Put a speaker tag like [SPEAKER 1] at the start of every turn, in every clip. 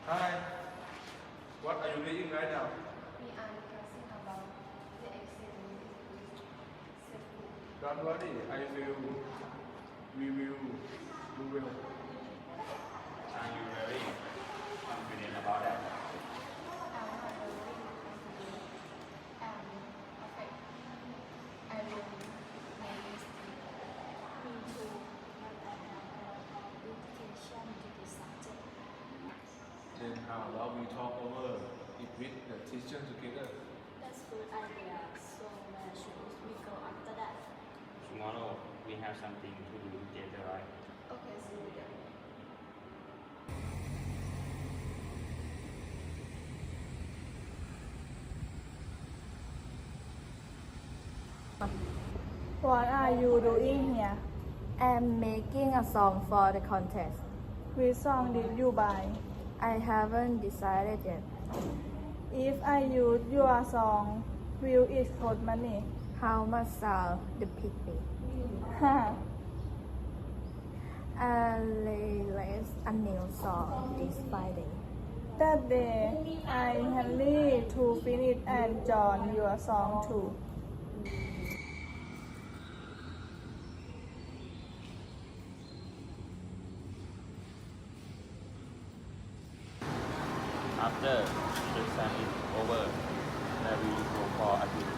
[SPEAKER 1] Hi. What are you reading right now?
[SPEAKER 2] We are discussing about the accident with safety.
[SPEAKER 1] Don't worry, we will do well.
[SPEAKER 3] Are you very confident about that?
[SPEAKER 2] I'm not very confident. I'm perfect. I will make mistakes.
[SPEAKER 4] Me too, but I have a dedication to the subject.
[SPEAKER 1] Then how about we talk over it with the teacher together?
[SPEAKER 4] That's good idea. So where should we go after that?
[SPEAKER 3] Tomorrow we have something to do together, right?
[SPEAKER 2] Okay, see you there.
[SPEAKER 5] What are you doing here?
[SPEAKER 6] I'm making a song for the contest.
[SPEAKER 5] Which song did you buy?
[SPEAKER 6] I haven't decided yet.
[SPEAKER 5] If I use your song, will it cost money?
[SPEAKER 6] How much shall the pig be?
[SPEAKER 5] Ha!
[SPEAKER 6] I'll release a new song this Friday.
[SPEAKER 5] That day, I hurry to finish and join your song too.
[SPEAKER 3] After the exam is over, then we will go for a drink.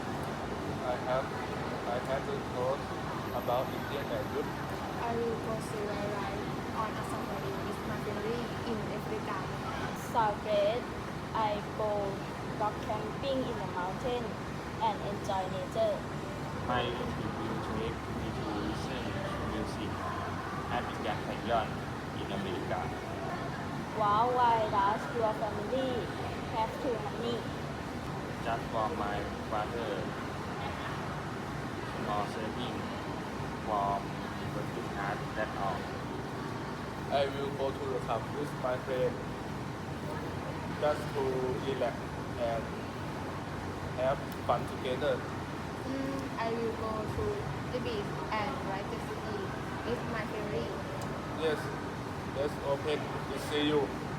[SPEAKER 1] I have the thought about Indian language.
[SPEAKER 2] I will go see ride on a safari with my family in Africa.
[SPEAKER 4] So great. I go rock camping in the mountain and enjoy nature.
[SPEAKER 3] My trip will take me to listen to music at the Grand Canyon in America.
[SPEAKER 4] Wow, why does your family have too money?
[SPEAKER 3] Just for my father, small saving from working hard, that's all.
[SPEAKER 1] I will go to the club with my friend just to relax and have fun together.
[SPEAKER 2] I will go to the beach and ride the city with my family.
[SPEAKER 1] Yes, let's open to see you.